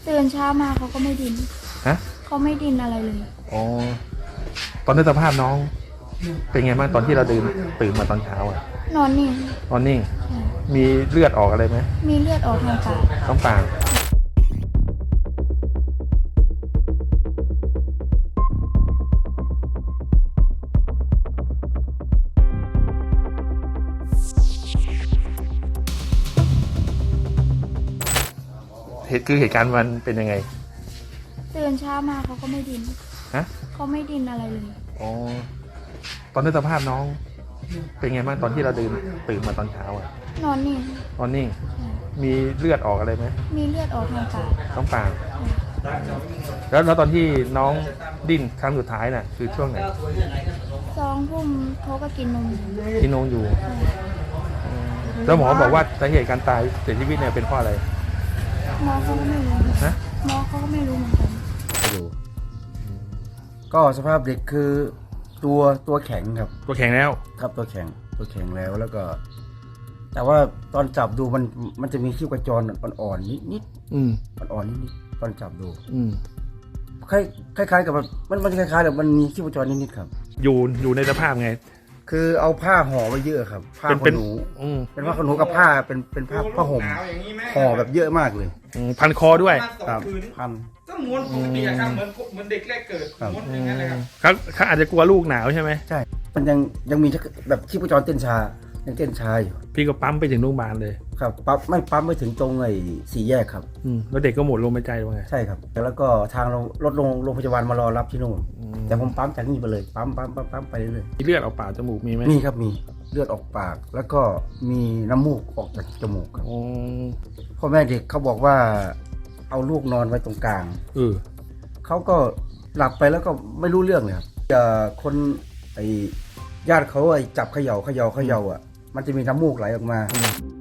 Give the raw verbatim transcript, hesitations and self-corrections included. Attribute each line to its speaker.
Speaker 1: ตื่นเช้ามาเขาก็ไม่ดิน
Speaker 2: ฮะ
Speaker 1: เขาไม่ดินอะไรเลย
Speaker 2: อ๋อตอนนี้สภาพน้อง เป็นไงบ้างตอนที่เราดื่นตื่นมาตอนเช้าอ่ะ
Speaker 1: นอนนิ่ง
Speaker 2: นอนนิ่ง
Speaker 1: ใช่
Speaker 2: มีเลือดออกอะไรไหม
Speaker 1: มีเลือดออกทางปาก
Speaker 2: ท้องปากเหตุคือเหตุการณ์มันเป็นยังไง
Speaker 1: ตื่นเช้ามาเขาก็ไม่ดิน
Speaker 2: ฮะ
Speaker 1: เขาไม่ดินอะไรเลย
Speaker 2: อ๋อตอนนี้สภาพน้อง เป็นไงบ้างตอนที่เราดื่นตื่นมาตอนเช้าอ่ะ
Speaker 1: นอนนิ่ง
Speaker 2: นอนนิ่ง
Speaker 1: ใช่
Speaker 2: มีเลือดออกอะไรไหม
Speaker 1: มีเลือดออกทางปาก
Speaker 2: ท้องปากแล้วแล้วตอนที่น้องดิ้นครั้งสุดท้ายน่ะ คือช่วงไหน
Speaker 1: สองทุ่มเขาก็กินนมอยู่
Speaker 2: ที่น้องอยู่
Speaker 1: ใช่
Speaker 2: แล้วหมอบอกว่าสาเหตุการตายเสียชีวิตเนี่ยเป็นเพราะอะไร
Speaker 1: หมอเขาก็ไม่รู้
Speaker 2: ฮะ
Speaker 1: หมอเขาก็ไม่รู้เหมือนกัน
Speaker 3: ดูก็สภาพเด็กคือตัวตัวแข็งครับ
Speaker 2: ตัวแข็งแล้ว
Speaker 3: ครับตัวแข็งตัวแข็งแล้วแล้วก็ แต่ว่าตอนจับดูมันมันจะมีชีพจรอ่อนๆนิดนิด
Speaker 2: อืม
Speaker 3: อ่อนๆนิดนิดตอนจับดู
Speaker 2: อืม
Speaker 3: คล้ายคล้ายๆกับแบบมันมันคล้ายๆแบบมันมีชีพจรนิดนิดครับ
Speaker 2: อยู่อยู่ในสภาพไง
Speaker 3: คือเอาผ้าห่อไว้เยอะครับ ผ้า
Speaker 2: เป็น
Speaker 3: ข
Speaker 2: เป็น
Speaker 3: นหนู
Speaker 2: อืม
Speaker 3: เป็นผ้าขนหนูกับผ้าเป็นเป็นผ้าผ้าห่มห่อแบบเยอะมากเลย
Speaker 2: อืมพันคอด้วย
Speaker 3: ครับพัน
Speaker 4: ก็ม้วนปกติอะครับเหมือนเหมือนเด็กแรกเกิด
Speaker 3: ครับ
Speaker 4: ม้วนอย่างนั้นเลยครับ
Speaker 2: เขาเขาอาจจะกลัวลูกหนาวใช่ไหม
Speaker 3: ใช่ มันยังยังมีแบบชีพจรเต้นช้ายังเต้นช้าอยู่
Speaker 2: พี่ก็ปั๊มไปถึงโรงพยาบาลเลย
Speaker 3: ครับปั๊มไม่ปั๊มไปถึงตรงไอ้สี่แยกครับ
Speaker 2: อืมแล้วเด็กก็หมดลมหายใจว่าไง
Speaker 3: ใช่ครับแล้วก็ทางรถโรงโรงพยาบาลมารอรับที่นู่น
Speaker 2: อืม
Speaker 3: แต่ผมปั๊มจากนี่ไปเลยปั๊มปั๊มปั๊มปั๊มไปเรื่อย
Speaker 2: มีเลือดออกปากจมูกมีไหม
Speaker 3: ๆมีครับมีเลือดออกปาก แล้วก็มีน้ำมูกออกจากจมูกครับ
Speaker 2: อ๋อ
Speaker 3: พ่อแม่เด็กเขาบอกว่าเอาลูกนอนไว้ตรงกลาง
Speaker 2: เออ
Speaker 3: เขาก็หลับไปแล้วก็ไม่รู้เรื่องเลยครับจะคนไอ้ญาติเขาไอ้จับเขย่าเขย่าเขย่าอ่ะมันจะมีน้ำมูกไหลออกมา
Speaker 2: อืม